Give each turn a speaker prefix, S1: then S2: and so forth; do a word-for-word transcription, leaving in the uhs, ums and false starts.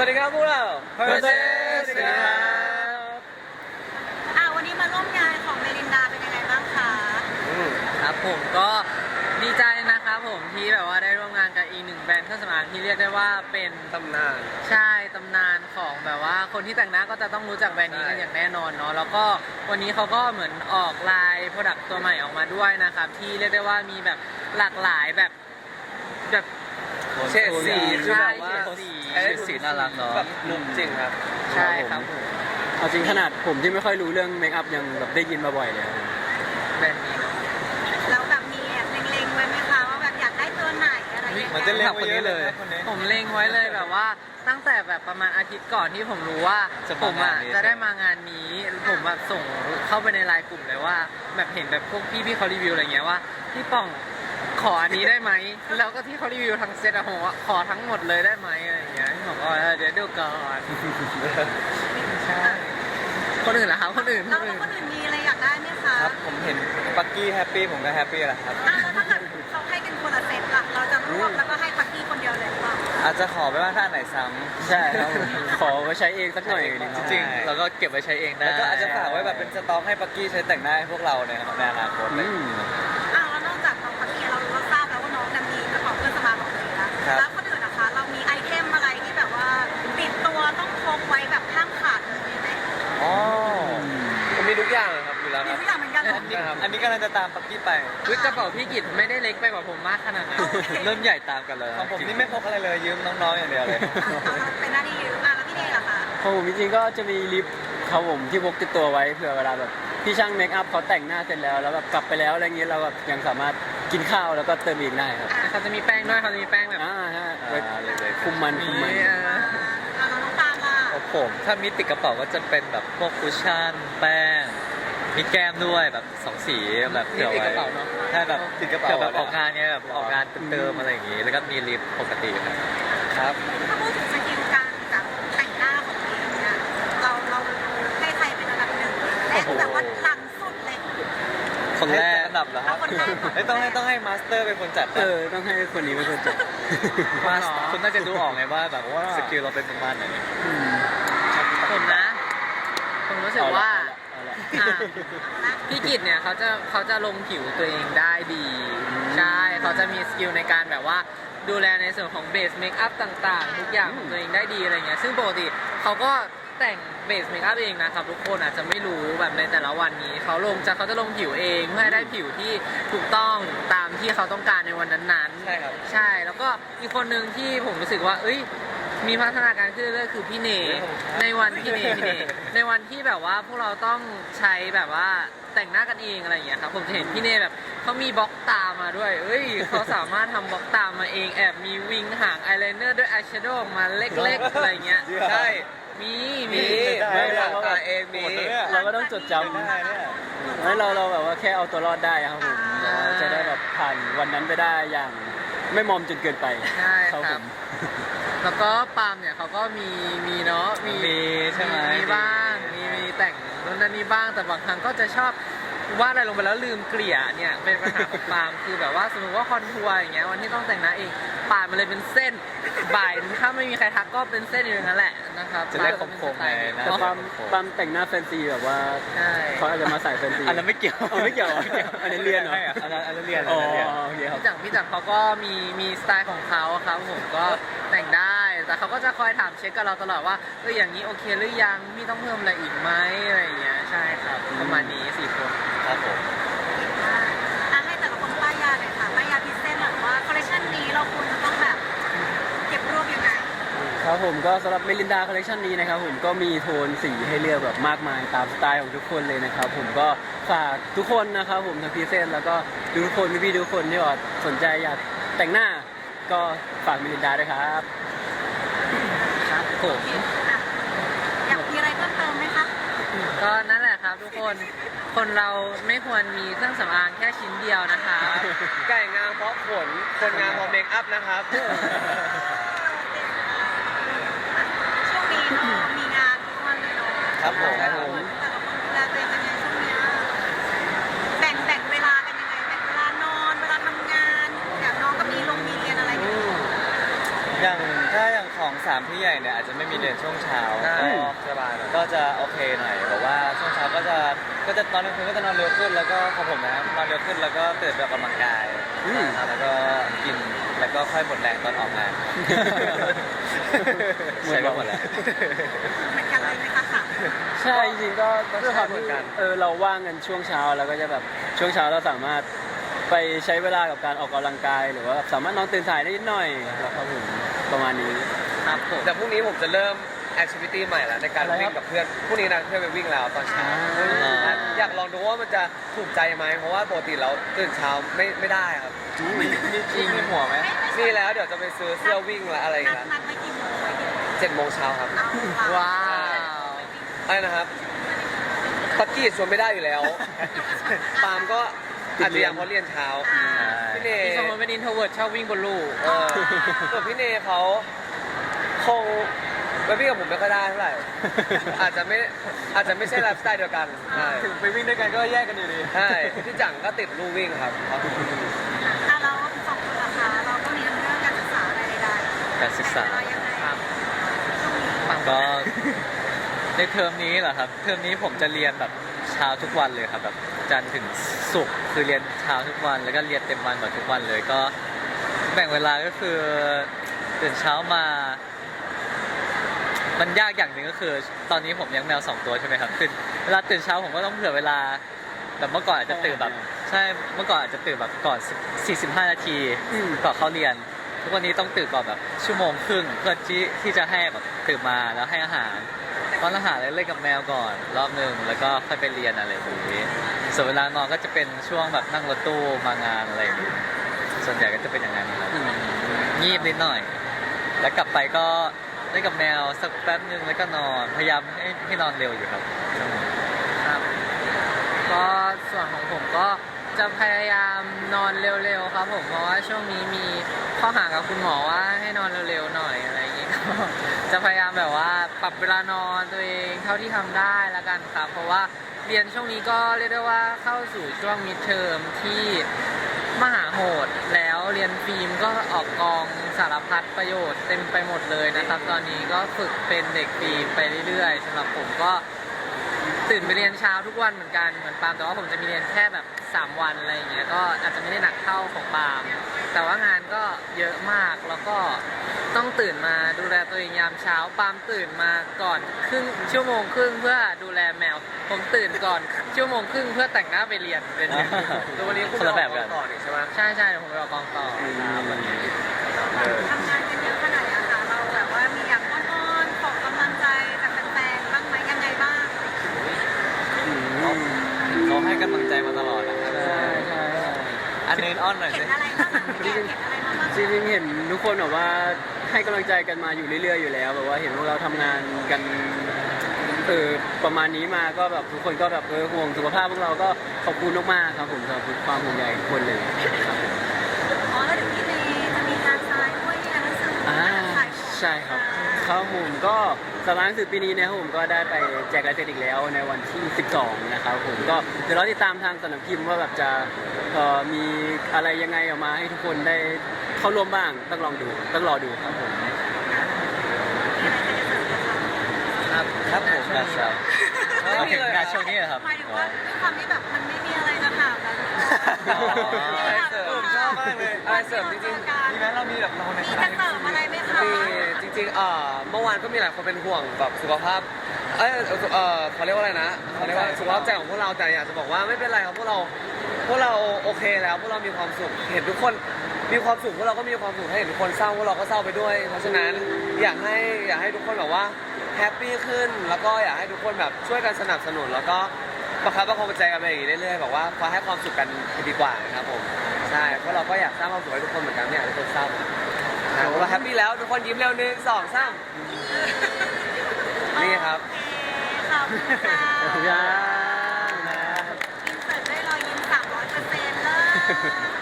S1: วัสดีครับพวกเรา
S2: Process
S1: ครับ
S3: อ่าวันนี้มาร่วมงานของเมลินดาเป็นยังไงบ้างคะ
S2: ครับผมก็ดีใจนะครับผมที่แบบว่าได้ร่วมงานกับอีกหนึ่งแบรนด์เครื่องสำอางที่เรียกได้ว่าเป็น
S1: ตำนาน
S2: ใช่ตำนานของแบบว่าคนที่แต่งหน้าก็จะต้องรู้จักแบรนด์นี้กัน
S1: ใช่
S2: อย่างแน่นอนเนาะแล้วก็วันนี้เขาก็เหมือนออกลายโปรดักต์ตัวใหม่ออกมาด้วยนะครับที่เรียกได้ว่ามีแบบหลากหลายแบบแบบ
S1: เฉดสีคือ
S2: ใช่
S1: แบบว่า
S2: เฉดสี
S1: เฉดสีน่ารักเนาะแบบนุ่มจริงครับ
S2: ใช่ครับผม
S4: เอาจริงขนาดผมที่ไม่ค่อยรู้เรื่องเมคอัพยังแบบได้ยินมาบ่อยเลยครับ
S2: แบรนด์นี้เนาะ
S3: แล้วแบบมีแอบเล็งๆไว้ไหมคะว่าแบบอยากได้ตัวไหนอะไรอย่าง
S1: มัน
S3: เงี้
S1: จะ
S3: ย
S1: เล่นคนนี้เลยคนนี้
S2: ผมเล็งไว้เลยแบบว่าตั้งแต่แบบประมาณอาทิตย์ก่อนที่ผมรู้ว่า
S1: จะ
S2: ผม
S1: ามางา
S2: อ่ะ
S1: นนี้
S2: จะได้มางานนี้ผมแบบส่งเข้าไปในไลน์กลุ่มเลยว่า แบบเห็นแบบพวกพี่พี่ๆเขารีวิวอะไรเงี้ยว่าพี่ป่องขออันนี้ได้ไหมแล้วก็ที่เขารีวิวทั้งเซตอะผมว่าขอทั้งหมดเลยได้ไหมอะไรเงี้ยพี่บอกว่าเดี๋ยวดูก่อนใช่คนอื่นเหรอครับคนอื่นค
S3: แล้ว
S2: นอื่น
S3: คนอื่นมีอะไรอยากได้ไหมคะ
S1: ครับผมเห็นปักกี้แฮปปี้ผมก็แฮปปี้แหละครับ
S3: อ่ะแล้วถ้าเกิดเขาให้กันคนละเซตล่ะเราจะรวบแล้วก็ให้ปักกี้คนเดียวเลยหรือเปล่า
S1: อาจจะขอไปว่าถ้าอันไหนซ้
S4: ใช่ครับผมขอไว้ใช้เองสักหน่อยหนึงค
S1: ำ
S4: รับ
S1: จริงๆแล้วก็เก็บไว้ใช้เองได้แล้วก็อาจจะฝากไว้แบบเป็นสต็อกให้ปักกี้ใช้แต่งหน้าให้พวกเราในในอนาคตเล
S4: อื
S1: ย
S4: ม
S3: อ่ะแล้วนอกจากน้องปักกี้เรารู้ว่าทราบแล้วว่าน้องเนี่ยมีกระเป๋าเครื่องสำอางของตัวเองแล้ว
S1: ครับ
S3: แล้วคนอื่นนะคะ เรามีไอเทมอะไรที่แบบว่าติดตัวต้องพกไว้แบบห้ามขาดเลยไหม
S1: อ๋อผมมีทุกอย่างเลยครับอยู่แล้ว
S3: มี
S1: ครับ
S3: ทุกอย่างเหมือนกันเหรอ
S1: อันนี้อันนี้กำลังจะตามปักกี้ไป
S2: วิกระเป๋าพี่กิจไม่ได้เล็กไปกว่าผมมากขนาดนั้น
S1: เริ่มใหญ่ตามกันเลยของผมนี่ไม่พกอะไรเลยยืมน้องๆอย่างเดียวเลย
S3: อ่ะเป็นหน้าที่ยืมอ่ะแล้วพี่เนยล่ะคะ
S4: ของผมจริงๆก็จะมีลิปเขาผมที่พกติดตัวไว้เผื่อเวลาแบบพี่ช่างเมคอัพเขาแต่งหน้าเสร็จแล้วแล้วแบบกลับไปแล้วอะไรเงี้ยเราแบบยังสามารถกินข้าวแล้วก็เติมอีกได้ครับ
S2: เขาจะมีแป้งด้วยเขาจะมีแป้งแบบ
S4: อ่าฮะ
S1: อ่า
S4: ไว้
S1: เลยๆ
S4: คุมมันคุมมัน
S2: นี่อ่ะ
S3: อ่ะแล้วน้องตาลล่ะ
S1: ของผมถ้ามีติดกระเป๋าก็จะเป็นแบบพวกคุชชั่นแป้งมีแก้มด้วยแบบสองสีแบบเผื่อ
S2: นี่ติด
S1: ไว้
S2: กระเป๋าเนอะ
S1: ใช่แบบ
S4: ติดกระเป๋า
S1: เผื่อแบบออกงานเนี้ยแบบออกงานเติมๆอะไรอย่างงี้ แล้วก็มีลิปปกติครับครับ
S3: ถ้าพูดถึงสกิลการแบบแต่งหน้าของตัวเองเนี่ยเราเราให้ใครเป็นอันดับหนึ่งและแบบว่าหลังสุดเลย
S1: คนแรกอันดับเหรอครับ
S3: เอาคนแรกก่อน
S1: เอ้ยต้องให้ต้องให้มาสเตอร์เป็นคนจัด
S4: เออต้องให้คนนี้เป็นคนจัด
S1: มาสคุณน่าจะดูออกไงว่าแบบว่าสกิลเราเป็นประมาณไหน
S4: อืม
S2: ผมนะ ผมรู้สึกว่า
S4: เอาละ
S2: อ่ะพี่กิจเนี่ยเขาจะเขาจะลงผิวตัวเองได้ดี ใช่เขาจะมีสกิลในการแบบว่าดูแลในส่วนของเบสเมคอัพต่างๆ ทุกอย่างของตัวเองได้ดีอะไรเงี้ยซึ่งปกติเขาก็แต่งเบสเมคอัพเองนะครับทุกคนอาจจะไม่รู้แบบในแต่ละวันนี้เขาลงจะเขาจะลงผิวเองเพื่อให้ได้ผิวที่ถูกต้องตามที่เขาต้องการในวันนั้นๆ
S1: ใช่ครับ
S2: ใช่แล้วก็อีกคนหนึ่งที่ผมรู้สึกว่า เอ้ย มีพัฒนาการขึ้นเรื่อยๆคือพี่เนในวันพี่เนพี่เนในวันที่แบบว่าพวกเราต้องใช้แบบว่าแต่งหน้ากันเองอะไรอย่างเงี้ยครับผมจะเห็นพี่เนแบบเขามีบล็อกตามาด้วย เอ้ยเขาสามารถทำบล็อกตามาเองแอบมีวิงหางอายไลเนอร์ด้วยอายแชโดว์ออกมาเล็กๆอะไรเงี้ย
S1: ใช่
S2: มีมี
S1: มี
S4: ไม่
S1: ไม่
S4: ได้
S1: ทำตาเองมี
S4: เราก็ต้องจดจ
S1: ได้เนี่ย
S4: ำให้เราเราแบบว่าแค่เอาตัวรอดได้ครับผมแบบว่าจะได้แบบผ่านวันนั้นไปได้อย่างไม่มอมจนเกินไป
S2: ใช่ค
S4: ค
S2: รั
S4: รั
S2: บบ
S4: ผม
S2: แล้วก็ปาล์มเนี่ยเขาก็มีมีเนาะมี
S1: มีใช่ไหม
S2: มีบ้างมีมีแต่งนู่นนั่นนี่บ้างแต่บางครั้งก็จะชอบวาดอะไรลงไปแล้วลืมเกลี่ยเนี่ยเป็นปัญหาของปาล์มคือแบบว่าสมมติว่าคอนทัวร์อย่างเงี้ยวันที่ต้องแต่งหน้าเองปาล์มมันเลยเป็นเส้นบ่ายถ้าไม่มีใครทักก็เป็นเส้นอยู่อย่างนั้นแหละนะครับ
S1: จะได้
S2: ปาล์ม
S1: คมๆไงนะ
S4: แต่ความความแต่งหน้าแฟนซีแบบว่า
S2: ใช่
S4: เขาอาจจะมาใส่แฟนซี
S1: อันนั้นไม่เกี่ยว
S4: เอาไม่เกี่ยวเหรออันนี้เรียนเหรอ
S1: อันนั้นอันนั้นเรียน
S4: อ๋
S1: อั
S4: อน
S1: นั้นเรียน
S4: โอเคครับ
S2: พี่จักรพี่จักรเขาก็มีมีสไตล์ของเขาครับผมก็แต่งได้แต่เขาก็จะคอยถามเช็คกับเราตลอดว่าเอออย่างนี้โอเคหรือยังพี่ต้องเพิ่มอะไรอีกไหมอะไรอย่างเงี้ยใช่ครับประมาณนี้สี่คน
S1: ครับผม
S3: อ่ะให้แต่ละคนป้ายยาหน่อยค่ะป้ายยาพิเศษหน่อยว่าคอลเลคชันนี้เราควรจะต้องแบบเก็บรวบยังไง
S4: ครับผมก็สำหรับเมลินดาคอลเลคชันนี้นะครับผมก็มีโทนสีให้เลือกแบบมากมายตามสไตล์ของทุกคนเลยนะครับผมก็ฝากทุกคนนะครับผมทั้งพรีเซนต์แล้วก็ทุกคนพี่ๆทุกคนที่ว่าสนใจอยากแต่งหน้าก็ฝากเมลินดาด้วยครับ
S2: ครับผม
S3: อ่ะอยากมีอะไรเพิ่มเติมไหมคะ
S2: ก็นั่นแหละครับทุกคนคนเราไม่ควรมีเครื่องสำอางแค่ชิ้นเดียวนะคะ
S1: ไก่งามเพราะขนคนงามเพราะเมคอัพนะครับ
S3: ช่วงนี้เนาะมีงานทุกวันเลยเนาะ
S1: ครับผม
S3: แต่ละคนแต่ละคนดูแลตัวเองกันยังไงช่วงเนี้ยแบ่งแบ่งเวลากันยังไงแบ่งเวลานอนเวลาทำงานอย่างน้องก็มีลงมีเรียนอะไรอยู่
S1: อย่างถ้าอย่างของสามพี่ใหญ่เนี่ยอาจจะไม่มีเรียนช่วงเช้า
S2: ได้
S1: ก็สบายหน่อยก็จะโอเคหน่อยแบบว่าช่วงเช้าก็จะก็จะตอนกลางคืนก็จะนอนเร็วขึ้นแล้วก็ของผมนะครับนอนเร็วขึ้นแล้วก็ตื่นไปออกกำลังกาย
S4: อืม
S1: นะครับแล้วก็กินแล้วก็ค่อยหมดแรงตอนออกงานใช้ก็หมดแล้ว
S3: เหมือนกันเลยไหมคะค่ะ
S4: ใช่จริงๆก็
S1: ก็
S4: ด้วยความ
S1: ใช่เหมื
S4: ที่
S1: อนกัน
S4: เออเราว่างกันช่วงเช้าแล้วก็จะแบบช่วงเช้าเราสามารถไปใช้เวลากับการออกกำลังกาย หรือว่าสามารถนอนตื่นสายได้นิดหน่อยครับผมประมาณนี้
S2: ครับผม
S5: แต่พรุ่งนี้ผมจะเริ่มแอคทิวิตี้ใหม่แล้วในการ
S4: อะไรครับ
S5: วิ่งกับเพื่อนพรุ่งนี้นะเพื่อนไปวิ่งแล้วตอนเช้า
S4: อ่า
S5: อยากลองดูว่ามันจะถูกใจไหมเพราะว่าปกติเราตื่นเช้าไม่ไม่ได้ครับ
S1: มีมีจริงมีหัวไหม
S5: นี่แล้วเดี๋ยวจะไปซื้อเสื้อวิ่งและอะไรอีก
S3: นัด
S5: แล้ว
S3: นัดไว้กี่โมงไว้กี่โมง
S5: เจ็ดโมงเช้าครับ
S3: เอาค่ะ
S2: ว้าว
S5: อะไรนะครับตักกี้ชวนไม่ได้อยู่แล้วปาล์มก็อาจจะยังเพราะเรียนเช้าพี่เน
S2: พี่สมมติเป็นอินโทรเวิร์ดชอบวิ่งบนลู่
S5: เออส่วนพี่เนเขาคงไปวิ่งกับผมไม่ค่อยได้เท่าไหร่อาจจะไม่อาจจะไม่ใช่ไลฟ์สไตล์เดียวกันใช่
S1: ถึงไปวิ่งด้วยกันก็แยกกันอยู่ดี
S5: ใช่พี่จังก็ติดลู่วิ่งครับ
S3: อ่ะเราสองคนล่ะคะเราก็เรียนเรื่องการศึกษาอะไรใดๆ
S1: การศึกษา
S3: แต่เรายังไง
S2: ครับ
S3: ช่วงนี้
S1: ก็ในเทอมนี้เหรอครับเทอมนี้ผมจะเรียนแบบเช้าทุกวันเลยครับแบบจันทร์ถึงศุกร์คือเรียนเช้าทุกวันแล้วก็เรียนเต็มวันแบบทุกวันเลยก็แบ่งเวลาก็คือตื่นเช้ามา มันยากอย่างหนึ่งก็คือ ตอนนี้ผมเลี้ยงแมวสองตัวใช่ไหมครับตื่นเวลาตื่นเช้าผมก็ต้องเผื่อเวลาแบบเมื่อก่อนอาจจะตื่นแบบใช่เมื่อก่อนอาจจะตื่นแบบก่อนสี่สิบห้านาที
S4: อืม
S1: ก่อนเข้าเรียน ทุกวันนี้ต้องตื่นก่อนแบบชั่วโมงครึ่งเพื่อที่ที่จะให้แบบตื่นมาแล้วให้อาหารป้อนอาหารแล้วเล่นกับแมวก่อนรอบหนึ่งแล้วก็ค่อยไปเรียนอะไรแบบนี้ส่วนเวลานอนก็จะเป็นช่วงแบบนั่งรถตู้มางานอะไรอย่างนี้ส่วนใหญ่ก็จะเป็นอย่างนั้นครับงีบนิดหน่อย แล้วกลับไปก็เล่นกับแมวสักแป๊บนึงแล้วก็นอนพยายามให้ให้นอนเร็วอยู่ครับ
S2: ครับ ก็ส่วนของผมก็จะพยายามนอนเร็วๆครับผมเพราะว่าช่วงนี้มีข้อหากับคุณหมอว่าให้นอนเร็วๆหน่อยอะไรอย่างงี้ ก็จะพยายามแบบว่าปรับเวลานอนตัวเองเท่าที่ทำได้ละกันครับ เพราะว่าเรียนช่วงนี้ก็เรียกได้ว่าเข้าสู่ช่วงมิดเทอมที่มหาโหดแล้วเรียนฟิล์มก็ออกกองสารพัดประโยชน์เต็มไปหมดเลยนะครับ ตอนนี้ก็ฝึกเป็นเด็กฟิล์มไปเรื่อยๆสำหรับผมก็ ตื่นไปเรียนเช้าทุกวันเหมือนกันเหมือนปาล์มแต่ว่าผมจะมีเรียนแค่แบบสามวันอะไรอย่างเงี้ยก็อาจจะไม่ได้หนักเท่าของปาล์มแต่ว่างานก็เยอะมากแล้วก็ต้องตื่นมาดูแลตัวเองยามเช้าปาล์มตื่นมาก่อนครึ่งชั่วโมงครึ่งเพื่อดูแลแมว ผมตื่นก่อนชั่วโมงครึ่งเพื่อแต่งหน้าไปเรียนเป็นอย่างนี้
S5: แล้ววันนี้คุณ
S1: คนละแบบกัน
S5: ต่อนี่ใช่ไหม
S2: ใช่ใช่เดี๋ยวผมไปออกกองต่อครับวันนี้
S3: ทำงานกันเยอะขนาดนี้ค่ะเราแบบว่ามีอย่างอ้อนๆขอกำลังใจจากแฟนๆบ้างไหมยังไงบ้าง
S1: เขาให้กำลังใจมาตลอดนะครับ
S4: ใช่ใช่ใช่
S1: อันนี้อ้อนหน่อย
S3: เห็
S1: สิ
S3: นอะไรบ้างอะพี่แกเห็นอะไรมาบ้าง
S4: จริงๆเห็นทุกคนแบบว่าให้กำลังใจกันมาอยู่เรื่อยๆอยู่แล้วแบบว่าเห็นพวกเราทำงานกันเออประมาณนี้มาก็แบบทุกคนก็แบบเออห่วงสุขภาพพวกเราก็ขอบคุณมากๆครับผมสำหรับความห่วงใยทุกคนเลยครับผม
S3: อ๋อแล้วเดี๋ยวพี่เนจะมีการทรายด้วยที่งานหนังสือ
S4: อ่า
S3: ขายของ
S4: ใช่ครับครับผมก็สำนักหนังสือปีนี้นะครับผมก็ได้ไปแจกลายเซ็นอีกแล้วในวันที่สิบสองนะครับผมก็เดี๋ยวเราติดตามทางสำนักพิมพ์ว่าแบบจะเอ่อมีอะไรยังไงออกมาให้ทุกคนได้เข้าร่วมบ้างต้องลองดูต้องรอดูครับผม
S3: มีอะไรจะเสริมไหมคะ
S2: ครับ
S1: ครับผมงานเช้า
S5: ไม่มีเลย
S1: งานช่วงนี้เหรอครับ
S3: หมายถึงว่าด้วยความที่แบบมันไม่มีอะไรจะถามแล้ว
S1: อ๋อ
S5: อะไรเสริมชอบมากเลยอะไรเสริมจริงๆ
S1: มีไหมเรามีแบบเราใน
S3: มีจะเสริมอะไรไหมคะ
S5: มีจริงๆเอ่อเมื่อวานก็มีหลายคนเป็นห่วงแบบสุขภาพ เอยเออเขาเรียกว่าอะไรนะเขาเรียกว่าสุขภาพใจของพวกเราแต่อยากจะบอกว่าไม่เป็นไรครับพวกเราพวกเราโอเคแล้วพวกเรามีความสุขเห็นทุกคนมีความสุขพวกเราก็มีความสุขถ้าเห็นทุกคนเศร้าพวกเราก็เศร้าไปด้วย เพราะฉะนั้นอยากให้อยากให้ทุกคนแบบว่าแฮปปี้ขึ้นแล้วก็อยากให้ทุกคนแบบช่วยกันสนับสนุนแล้วก็ประคับประคองใจกันไปอย่างนี้เรื่อยๆแบบว่าคอยให้ความสุขกันดีกว่านะครับผมใช่เพราะเราก็อยากสร้างความสุขให้ทุกคนเหมือนกันไม่อยากให้ทุกคนเศร้านะเราแฮปปี้แล้วทุกคนยิ้มเร็วหนึ่งสองสามนี่ครับ
S3: โอเคขอบคุณค่ะ
S4: ขอบคุณครับ
S3: อินเสิร์ตได้รอยยิ้มสามร้อยเปอร์เซ็นต์เลย